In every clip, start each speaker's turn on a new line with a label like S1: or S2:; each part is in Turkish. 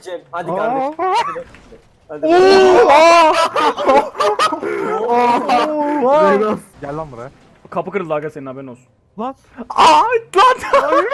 S1: Hadi Cem, hadi kardeşim. Hadi.
S2: Zeynep. Gel lan buraya.
S3: Kapı kırıldı aga, senin haberin olsun.
S2: Lan.
S3: Lan.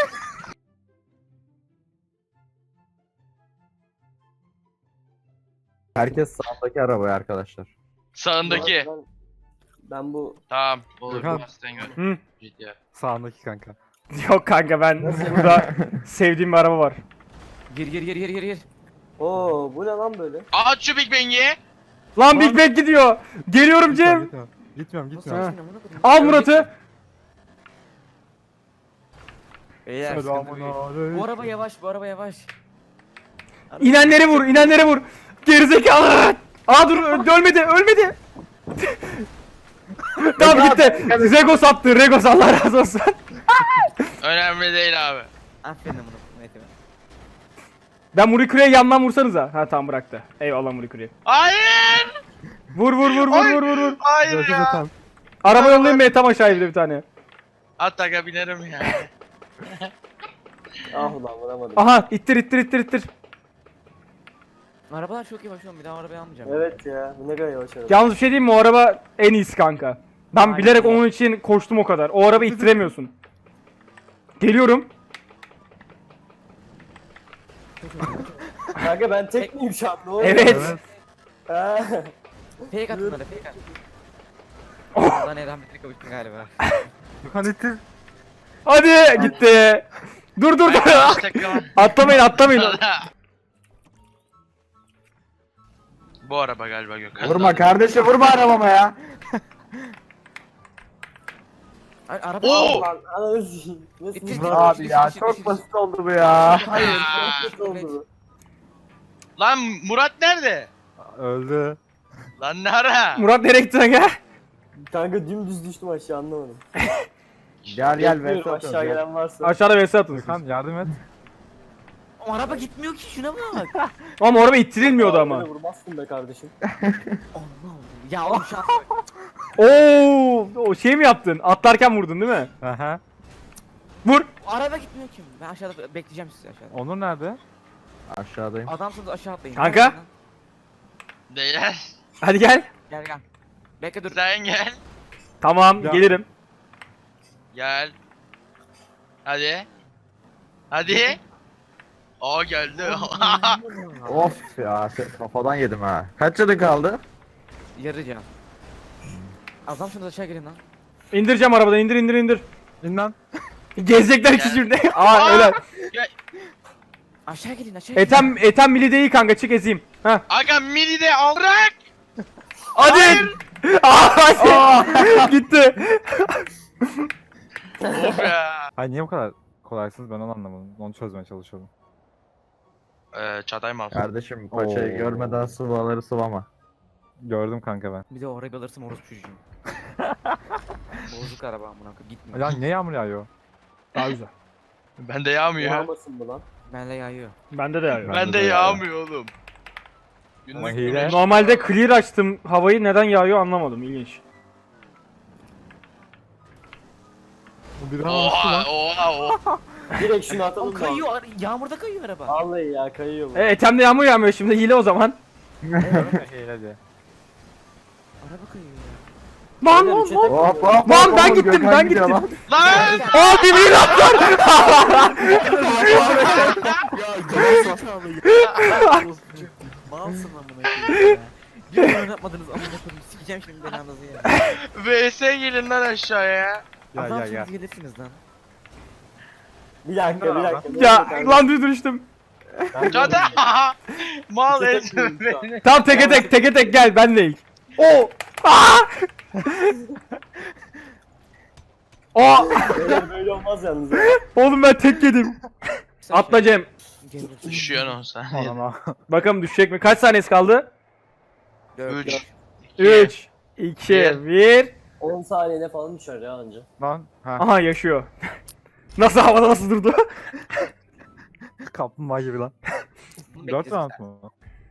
S4: Herkes sağdaki arabaya arkadaşlar.
S5: Sağındaki.
S1: Ben bu
S5: Tamam. Olur.
S2: Gökhan.
S5: Aslan gör.
S3: Hı.
S5: Ciddi.
S2: Sağındaki kanka.
S3: Yok kanka, ben burada sevdiğim bir araba var.
S6: Gir.
S1: Oo, bu ne lan böyle?
S5: Aç şu Big Bang'i.
S3: Lan Big Bang gidiyor. Geliyorum Cem.
S2: Gitmiyorum.
S3: Ha. Al Murat'ı.
S6: Beyler sıkıntı büyük.
S2: Selamünaleyküm.
S6: Bu araba yavaş.
S3: İnenleri vur. Gerizekalı. Aa dur, ölmedi. Tamam gitti. Regos attı. Regos, Allah razı olsun.
S5: Önemli değil abi.
S6: Aferin bunu. Neyse.
S3: Ben Murikure'ye yandan vursanıza. Ha tamam, bıraktı. Eyvallah Murikure'ye.
S5: Hayır.
S3: Vur.
S5: Hayır ya.
S2: Zaten.
S3: Araba yollayayım mı? Tam aşağıya bir de bir tane.
S5: At aga binerim ya.
S1: Ah ulan vuramadım.
S3: Aha, ittir.
S6: Arabalar çok yavaş oğlum, bir daha arabayı almayacağım.
S1: Evet ya, bu ne kadar yavaş araba.
S3: Yalnız bir şey diyeyim mi? O araba en iyisi kanka. Ben
S6: Aynen.
S3: bilerek onun için koştum o kadar. O araba ittiremiyorsun. Geliyorum.
S1: Kanka ben tek miyim şu an? Ne oluyor?
S3: Evet.
S1: Ha.
S6: Fake at bunları, fake at. Lan Eren bitti, kavuştun galiba.
S2: Gökhan ittir.
S3: Hadi gitti. Dur. Atlamayın.
S5: Bu araba galiba Gökhan.
S4: Vurma kardeşim, vurma arabama ya.
S6: Ay, araba
S5: Oo!
S1: Lan ananı sikeyim. Nasıl?
S6: İttir.
S4: Abi ya çok basit oldu bu ya.
S1: Hayır,
S5: Aa.
S1: çok kötü oldu bu.
S5: Lan Murat nerede?
S2: Öldü.
S5: Lan ne ara?
S3: Murat nereye gitti lan ya?
S1: Kanka dümdüz düştüm aşağı, anlamadım.
S4: Gel
S1: Bekliyorum,
S4: Veysel
S1: aşağı gelen varsa.
S3: Aşağıda vs atın.
S2: Gökhan yardım et.
S6: O araba gitmiyor ki, şuna bak.
S3: Ama araba ittirilmiyordu ama.
S1: Böyle vurmazsın be kardeşim.
S6: Allah'ım. Ya oğlum şu an
S3: Oo, o şey mi yaptın? Atlarken vurdun değil mi?
S2: Aha.
S3: Vur.
S6: o araba gitmiyor ki. Ben aşağıda bekleyeceğim sizi aşağıda.
S2: Onur nerede?
S4: Aşağıdayım.
S6: Adamsınız, aşağı atlayın.
S3: Kanka.
S5: Değil.
S3: Hadi gel.
S6: Gel. Bekle dur.
S5: Sen gel.
S3: Tamam,
S2: Ya.
S3: gelirim.
S5: Gel. Hadi. Hadi. Aa geldi.
S4: Of ya, kafadan yedim ha. Kaç canı kaldı?
S6: Yarı can. Adamsınız, aşağı gelin lan.
S3: İndireceğim arabadan, indir.
S2: İn lan.
S3: Gezecekler ikisi şimdi. Aa öyle.
S6: Aşağı gelin, aşağı gelin.
S3: Etem mili değil kanka, çık ezeyim. Ha.
S5: Aga mini de al bırak.
S3: Hadi. Hadi. Gitti.
S5: Of ya.
S2: Hayır, niye bu kadar kolaysınız, ben onu anlamadım. Onu çözmeye çalışıyorum.
S5: Çatay mal.
S4: Kardeşim paçayı
S2: Oo.
S4: görmeden sıvaları sıvama.
S2: Gördüm kanka ben.
S6: Bir de o arabayı alırsam orospu çocuğum. Bozuk araba amına koyayım, gitmiyor.
S2: Ya niye yağmur yağıyor?
S3: Daha güzel.
S5: Bende yağmıyor.
S1: Yağmasın bu lan.
S6: Benle yağıyor.
S3: Bende de yağıyor.
S2: Ben-
S5: Bende
S2: de
S5: yağmıyor oğlum.
S2: Ama
S5: Günlük
S2: hile.
S3: Normalde clear açtım havayı, neden yağıyor anlamadım, ilginç.
S2: Bu bir bastı lan.
S5: Oha.
S1: Direkt şunu
S6: O
S1: atalım mı?
S6: kayıyor, yağmurda kayıyor araba.
S1: Vallahi ya, kayıyor bu.
S3: Etem'de yağmur yağmıyor şimdi, hile o zaman.
S2: Hile diye.
S6: Araba kayıyor ya.
S3: Lan
S1: Beyler,
S3: lan
S1: üçe
S3: lan.
S1: tek
S4: Hop
S1: oluyor.
S4: hop
S3: Lan
S4: hop,
S3: ben
S4: hop,
S3: gittim,
S4: Gökhan
S3: ben
S4: gidiyor
S3: gittim.
S4: lan.
S5: Lan.
S3: Aa birbirine atlar.
S6: Malsın amına koyayım ya. Bir oyun oynatmadınız amına koyayım. Sikeceğim şimdi belanızı ya.
S5: VS gelin lan aşağıya.
S2: Gel.
S6: Adamsınız, gelirsiniz lan.
S1: Bir dakika.
S3: Ya lan düştüm.
S5: Çatay. Mal
S1: Üçe tek
S5: ezme
S1: vuruyorum şu
S5: beni.
S3: Tamam, teke tek gel, ben de ilk. O. Aa. Aa.
S1: Böyle olmaz yalnız.
S3: Oğlum ben tek yedim. Atla Cem.
S6: Gelirsin.
S5: Düşüyorsun olsa.
S2: Anana.
S3: Bakalım düşecek mi? Kaç saniyesi kaldı?
S5: 3.
S3: 3, 2,
S5: Bir.
S3: 1.
S1: 10 saniyede falan düşer ya anca.
S2: Lan. Ha.
S3: Aha yaşıyor. Nasıl havada, nasıl durdu?
S2: Kaplumbağa gibi lan. 4 round mu?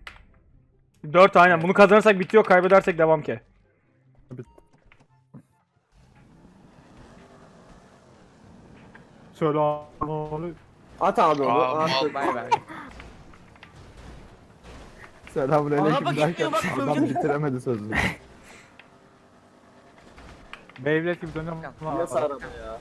S3: 4 aynen. Bunu kazanırsak bitiyor, kaybedersek devam ki.
S2: Selamünaleyküm.
S1: At abi onu.
S5: Aa,
S1: at.
S5: mal.
S6: Bay bay.
S4: Selamünaleyküm
S6: Araba
S4: derken
S6: gitmiyor bak,
S4: adam
S6: gördün mü?
S4: bitiremedi sözünü.
S2: Beyblade gibi dönüyorum.
S1: Nasıl araba ya?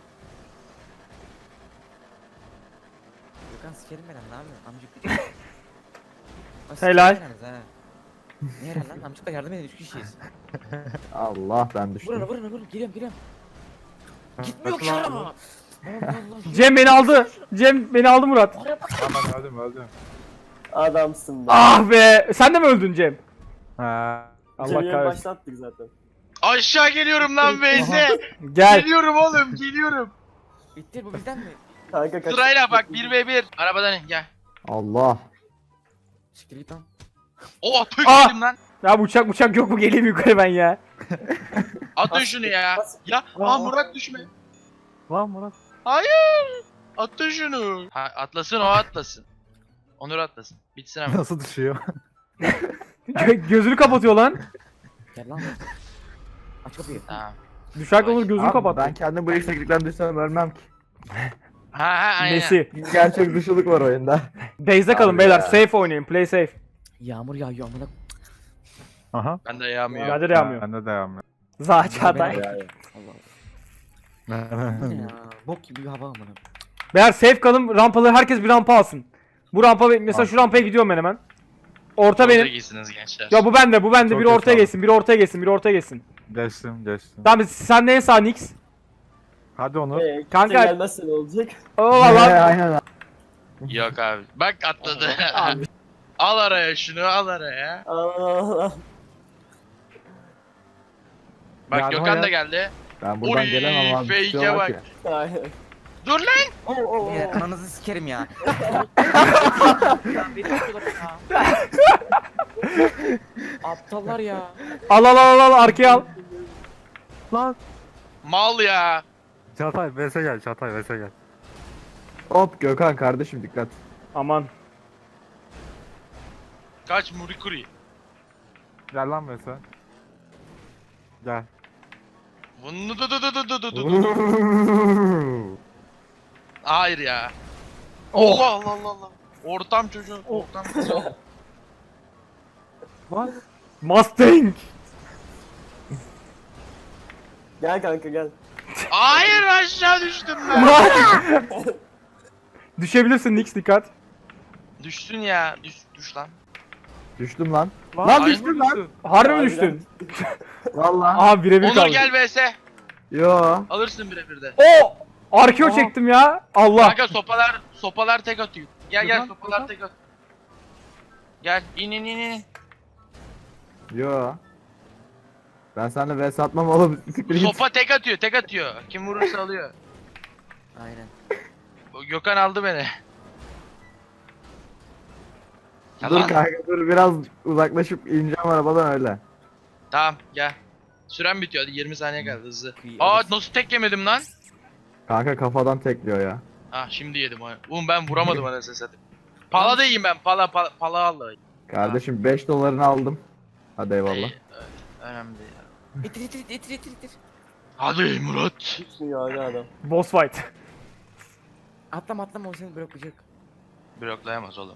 S6: Gökhan sikerim ben lan, ne yapıyorsun amcık?
S3: Helal.
S6: Ne helal lan, amcıkla yardım edin, 3 kişiyiz.
S4: Allah ben düştüm.
S6: Vurun, geliyorum. Gitmiyor ki araba. Allah Allah.
S3: Cem beni aldı. Cem beni aldı Murat.
S2: Aman öldüm.
S1: Adamsın be.
S3: Ah be. Sen de mi öldün Cem?
S2: Ha.
S3: Allah
S1: Cem'i
S3: kahretsin.
S1: başlattık zaten.
S5: Aşağı geliyorum lan Beyze.
S3: Gel.
S5: Geliyorum oğlum geliyorum.
S6: Bitti bu bizden mi?
S1: Kanka kaç.
S5: Sırayla bak 1v1. Arabadan in gel.
S4: Allah.
S6: Siktir git lan.
S5: Oh tüh
S3: Aa!
S5: yedim lan.
S3: Ya uçak yok mu? Geleyim yukarı ben ya.
S5: Atın şunu ya. Ya Murat düşme.
S2: Lan Murat.
S5: Hayır. Atın şunu. Ha, atlasın o atlasın. Onur atlasın. Bitsin ama.
S2: Nasıl düşüyor?
S3: Gözünü kapatıyor lan.
S6: Gel lan. Aç kapıyı.
S5: Tamam.
S3: Düşerken olur gözünü
S4: Abi,
S3: kapattı.
S4: ben kendim bu yükseklikten düşsem ölmem ki.
S5: Ha aynen.
S3: Nesi?
S4: Gerçek dışılık var oyunda.
S3: Base'de kalın
S4: Abi
S3: beyler.
S4: ya.
S3: Safe oynayın. Play safe.
S6: Yağmur yağıyor amına.
S2: Aha.
S5: Ben de yağmıyor.
S3: Bende de yağmıyor.
S2: Bende de yağmıyor.
S3: Çağatay.
S6: Allah Allah. Bu ne ya? Bok gibi bir hava amına.
S3: Beyler safe kalın. Rampaları herkes bir rampa alsın. Bu rampa mesela şu rampaya gidiyorum ben hemen. Orta benim.
S5: giysiniz gençler.
S3: Ya bu bende. Biri
S2: Çok
S3: ortaya
S2: iyi,
S3: geçsin. Biri ortaya geçsin. Biri ortaya geçsin.
S2: Geçtim.
S3: Tamam sen de en sağ Nix.
S2: Hadi Onur.
S1: Kanka.
S3: Kanka-
S1: Gelmezse ne olacak?
S3: Oo valla.
S4: Aynen.
S5: Yok abi. Bak atladı. Al araya şunu al araya.
S1: Allah.
S5: Bak
S2: Yardıma
S5: Gökhan da
S2: gel.
S5: geldi.
S4: Ben buradan
S5: Oy,
S4: gelemem abi.
S5: fake'e
S4: tutuyorlar
S5: bak.
S4: ki.
S1: Aynen.
S5: Dur lan.
S6: Ya ananızı sikerim ya. Aptallar ya.
S3: Al arkaya al.
S2: Lan.
S5: Mal ya.
S2: Çağatay vs gel. Çağatay vs gel.
S4: Hop Gökhan kardeşim dikkat.
S3: Aman.
S5: Kaç Murikuri.
S2: Gel lan vs. Gel.
S5: Bunu du. Hayır ya. Allah Allah Allah Allah. Ortam çocuğu. Ortam çocuğu.
S2: Lan.
S3: Mustang.
S1: Gel kanka gel.
S5: Hayır aşağı düştüm ben.
S3: Düşebilirsin Nix dikkat.
S5: Düştün ya. Düş lan.
S4: Düştüm lan.
S2: Lan
S5: Ay,
S2: düştün lan.
S3: Harbi mi
S1: Harbiden.
S3: düştün?
S4: Vallahi.
S3: Aha birebir
S5: Onur
S3: kaldı.
S5: gel vs.
S4: Yo.
S5: Alırsın birebir de.
S3: O arkeo çektim ya. Allah.
S5: Kanka sopalar tek atıyor. Gel
S2: Gökhan,
S5: sopalar
S2: Gökhan.
S5: tek at. Gel in.
S4: Yo. Ben seninle vs atmam oğlum. Siktir git.
S5: Sopa tek atıyor. Kim vurursa alıyor.
S6: Aynen.
S5: O Gökhan aldı beni.
S4: Dur
S5: Yalan.
S4: kanka dur biraz uzaklaşıp ineceğim arabadan öyle.
S5: Tamam gel. Süren bitiyor hadi 20 saniye kaldı hızlı.
S6: İyi,
S5: Aa
S6: alırsın.
S5: nasıl tek yemedim lan?
S4: Kanka kafadan tekliyor ya.
S5: Ah şimdi yedim onu. Oğlum ben vuramadım anasını satayım. Pala da yiyeyim ben. Pala al.
S4: Kardeşim 5 dolarını aldım. Hadi eyvallah.
S5: Evet, önemli değil.
S6: İtir.
S5: Hadi Murat.
S1: Düşmüyor hala adam.
S3: Boss fight.
S6: Atlama o seni bırakacak.
S5: Bloklayamaz oğlum.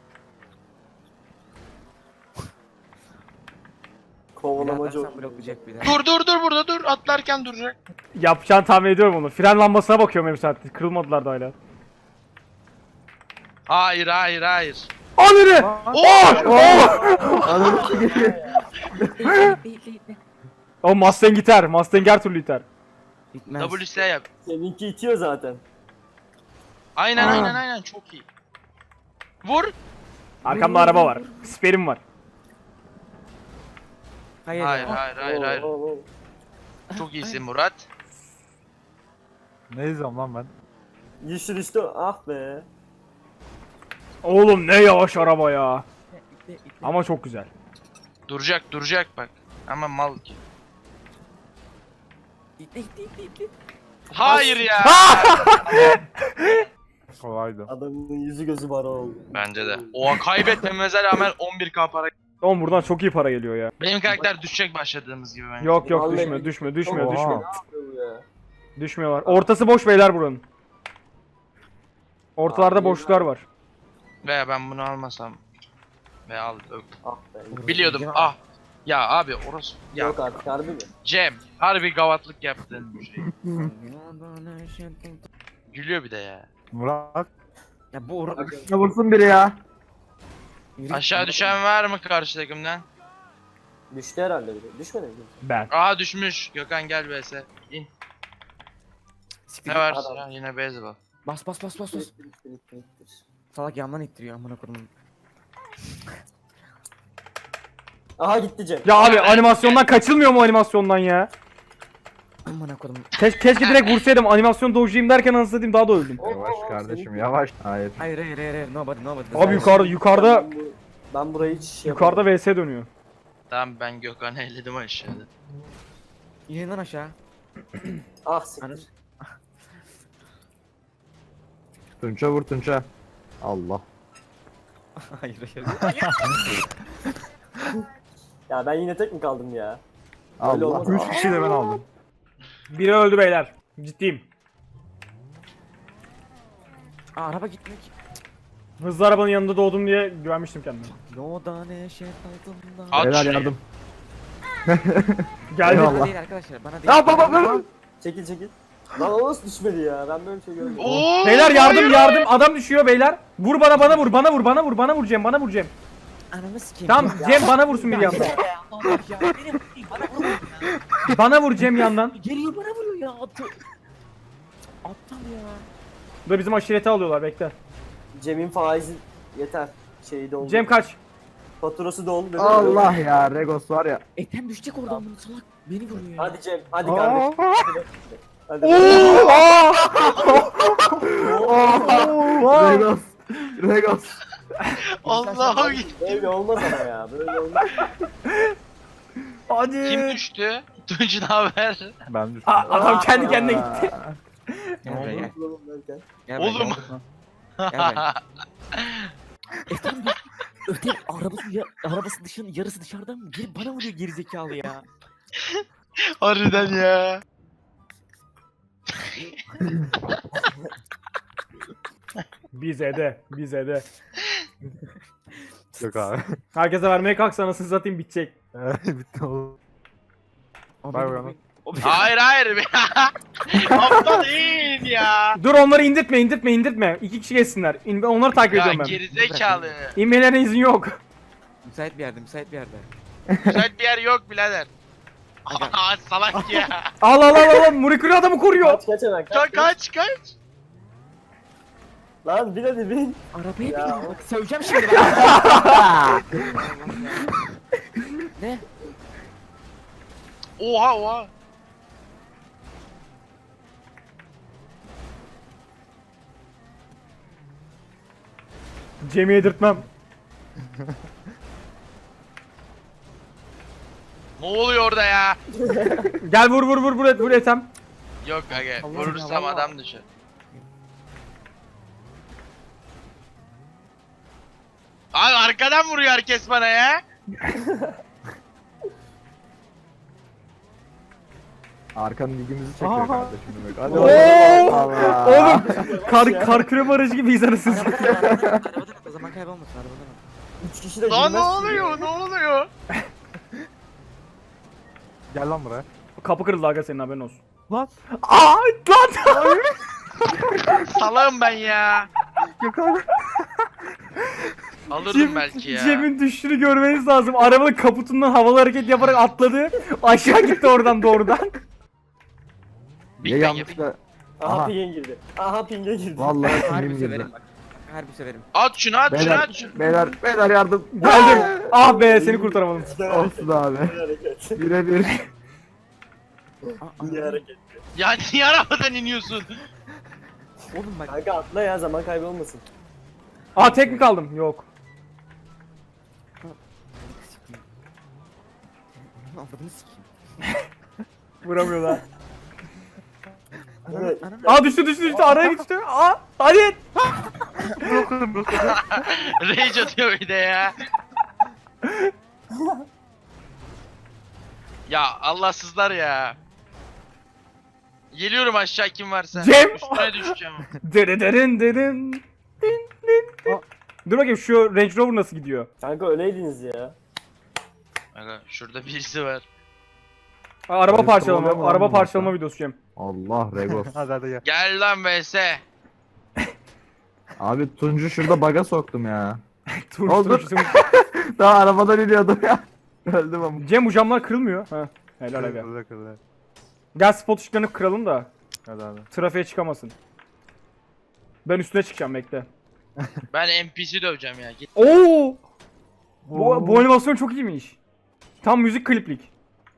S1: Kovalamacı
S6: Birazdan
S1: oldu.
S6: bloklayacak bir de.
S5: Dur burada dur. Atlarken duracak.
S3: Yapacağını tahmin ediyorum onu. Fren lambasına bakıyorum hem saatte. Kırılmadılar da hala.
S5: Hayır.
S3: Anırı!
S4: Ananı sikeyim.
S6: Değil.
S3: O Mustang iter. Mustang her türlü iter.
S6: Bitmez.
S5: WS yap.
S1: Seninki itiyor zaten.
S5: Aynen çok iyi. Vur.
S3: Arkamda araba var. Sperim var.
S6: Hayır.
S5: Hayır.
S1: Oo.
S5: Çok iyisin Murat.
S2: Ne izliyorum lan ben?
S1: Düştü. Ah be.
S3: Oğlum ne yavaş araba ya. Ama çok güzel.
S5: Duracak bak. Ama mal ki.
S6: İtle.
S5: Hayır ya.
S2: Kolaydı.
S1: Adamın yüzü gözü bara oldu.
S5: Bence de. O kaybetmemize rağmen 11k para.
S3: Oğlum buradan çok iyi para geliyor ya.
S5: Benim karakter düşecek başladığımız gibi bence.
S3: Yok
S1: Vallahi-
S3: düşmüyor.
S2: Oha.
S1: Ya.
S3: Düşmüyorlar. Ortası boş beyler buranın. Ortalarda
S1: Abi,
S3: boşluklar var.
S5: Veya ben bunu almasam. Ve al.
S1: Ah be.
S5: Biliyordum. Ah. Ya abi orası. Ya
S1: Yok artık harbi mi?
S5: Cem. Harbi gavatlık yaptın bu şey. Gülüyor bir de ya.
S2: Murat.
S6: Ya bu
S4: Ne vursun biri ya.
S5: Aşağı düşen var mı karşı takımdan?
S1: Düştü herhalde bir de. Düşmedi mi?
S3: Ben.
S5: Aa düşmüş. Gökhan gel vs. İn. Ne var?
S1: Adam.
S5: Ya, yine beyzbol.
S6: Bas bas bas bas bas.
S1: Bittir.
S6: Salak yandan ittiriyor amına koyayım.
S1: Aha gitti Cem.
S3: Ya abi animasyondan kaçılmıyor mu animasyondan ya?
S6: Amına koyayım.
S3: Keşke direkt vursaydım animasyon dojuyum derken anasını satayım daha da öldüm.
S4: Yavaş kardeşim yavaş. Hayır.
S6: Hayır hayır hayır nobody.
S3: Abi yukarıda
S1: Ben burayı hiç şey
S3: yukarıda vs dönüyor.
S5: Tamam ben Gökhan'ı elledim aşağıda.
S6: İnin lan aşağı.
S1: Ah siktir.
S4: Tunça vur Tunça. Allah.
S6: Hayır hayır.
S1: Ya ben yine tek mi kaldım ya? Öyle
S4: Allah.
S1: olmaz.
S2: 3 kişi de ben aldım.
S3: Biri öldü beyler. Ciddiyim.
S6: Aa, araba gitmek.
S3: Hızlı arabanın yanında doğdum diye güvenmiştim kendime.
S6: Yoda neşet altında.
S5: At
S4: Beyler
S5: şunu.
S4: yardım.
S3: Geldi.
S4: Eyvallah.
S6: Bana değil arkadaşlar bana değil.
S4: Ya baba.
S1: Çekil. Lan o nasıl düşmedi ya? Ben böyle bir şey görmedim.
S5: Oo,
S3: Beyler yardım
S5: hayır.
S3: adam düşüyor beyler. Vur bana vur Cem bana vur Cem.
S6: Ananı sikeyim.
S3: Tamam Cem bana vursun bir yandan.
S6: Allah ya benim bana vuruyor ya.
S3: Bana vur Cem yandan.
S6: Geliyor bana vuruyor ya. Aptal ya.
S3: Bu da bizim aşireti alıyorlar bekle.
S1: Cem'in faizi yeter. Şeyi doldu.
S3: Cem kaç.
S1: Faturası doldu. dedi.
S4: Allah ya Regos var ya.
S6: Etem düşecek oradan bunu salak. Beni vuruyor ya.
S1: Hadi Cem. Hadi kardeşim. Hadi.
S4: Regos. Regos.
S5: Allah'ım.
S1: Böyle olmaz ama ya. Böyle olmaz.
S3: Hadi.
S5: Kim düştü? Tunç ne haber?
S2: Ben düştüm.
S3: Adam kendi kendine gitti.
S6: Gel buraya gel.
S1: Derken.
S6: Gel buraya,
S5: Oğlum.
S6: Gel buraya. Etem düştü. Ötem arabası dışının yarısı dışarıdan mı? Geri bana vuruyor gerizekalı ya.
S5: Harbiden ya.
S3: Bize de.
S2: Yok abi.
S3: Herkese vermeye kalksa anasını satayım bitecek.
S2: Bitti oğlum.
S6: O
S2: Bay
S6: benim-
S2: bay.
S6: o benim-
S5: Hayır. Aptal değil ya.
S3: Dur onları indirtme. 2 kişi geçsinler. Onları takip
S5: Ya
S3: ediyorum ben.
S5: gerizekalı.
S3: İnmelerine izin yok.
S6: Müsait bir yerde.
S5: Müsait bir yer yok birader. Aa salak ya.
S3: Al. Murikuri adamı koruyor.
S1: Kaç hemen
S5: Kaç.
S1: Lan bin hadi bin.
S6: Arabaya
S1: Ya.
S6: bindim bak söyleyeceğim şimdi ben. Ne?
S5: Oha.
S3: Cem'i yedirtmem.
S5: Ne oluyor orada ya?
S3: Gel vur Ethem.
S5: Yok aga
S6: Allah
S5: vurursam
S6: Allah.
S5: adam düşer. Abi arkadan vuruyor herkes bana ya.
S4: Arkanın ilgimizi çekiyor
S3: Aha.
S4: kardeşim demek. Hadi
S3: Oo!
S4: Allah.
S3: Oğlum kar küreme aracı gibiyiz anasını satayım.
S6: Arabadan o zaman kaybolmasın arabadan.
S1: 3 kişi de
S5: Lan ne
S1: girmez.
S5: oluyor?
S2: Gel lan buraya.
S3: Kapı kırıldı aga senin haberin olsun.
S2: Lan.
S3: Lan.
S5: Salağım ben ya.
S2: Yok abi.
S5: Alırdım belki ya.
S3: Cem'in düştüğünü görmeniz lazım. Arabanın kaputundan havalı hareket yaparak atladı. Aşağı gitti oradan doğrudan.
S5: Big
S4: Ya
S5: Bang
S4: yanlışla.
S1: Aha
S4: Aha.
S1: ping'e girdi. Aha ping'e girdi.
S4: Vallahi
S6: Harbi
S4: film girdi.
S6: severim bak. Harbi severim.
S5: At şunu.
S4: Beyler yardım.
S3: Geldim. Ah be seni kurtaramadım.
S4: Olsun abi.
S1: Bir hareket.
S4: Birebir.
S1: Bir hareket.
S5: Ya niye arabadan iniyorsun?
S6: Oğlum bak.
S1: Kanka atla ya zaman kaybolmasın.
S3: Aa tek mi kaldım? Yok.
S6: Avradını sikeyim.
S3: Vuramıyorlar.
S1: Evet.
S3: Aa düştü araya düştü. Aa hadi.
S5: Rage atıyor bir de ya. Ya Allahsızlar ya. Geliyorum aşağı kim varsa.
S3: Cem!
S5: Üstüne düşeceğim.
S3: Derin. Dur bakayım şu Range Rover nasıl gidiyor?
S1: Kanka öyleydiniz ya.
S5: Aga şurada birisi var.
S3: Araba
S4: Polis
S3: parçalama.
S4: kovalıyor mu lan
S3: Araba
S4: bu
S3: parçalama
S4: nokta?
S3: videosu Cem.
S4: Allah Regos.
S2: Hadi hadi gel.
S5: Gel lan vs.
S4: Abi Tuncu şurada baga soktum ya.
S3: Tur
S4: Oldu.
S3: tur.
S4: Daha arabadan iniyordum ya. Öldüm ama.
S3: Cem bu camlar kırılmıyor. Ha. Helal aga.
S2: Kırıldı, kırıldı.
S3: Gel spot ışıklarını kıralım da
S2: Hadi hadi.
S3: trafiğe çıkamasın. Ben üstüne çıkacağım bekle.
S5: Ben NPC döveceğim ya. Git.
S3: Oo! Bu animasyon çok iyiymiş. Tam müzik kliplik.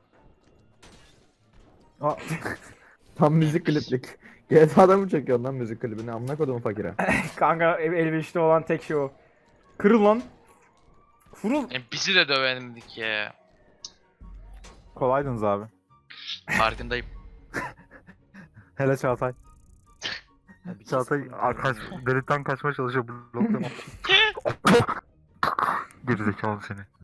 S4: Tam müzik kliplik. GTA'da mı çekiyorsun lan müzik klibini? Amına kodumu fakire.
S3: Kanka elverişli olan tek şey o. Kırıl lan. Furul.
S5: NPC de dövendik ya.
S2: Kolaydınız abi.
S5: Farkındayım.
S2: Hele Çağatay. Çağatay delikten kaçmaya çalışıyor blokta. Gerizekalı seni.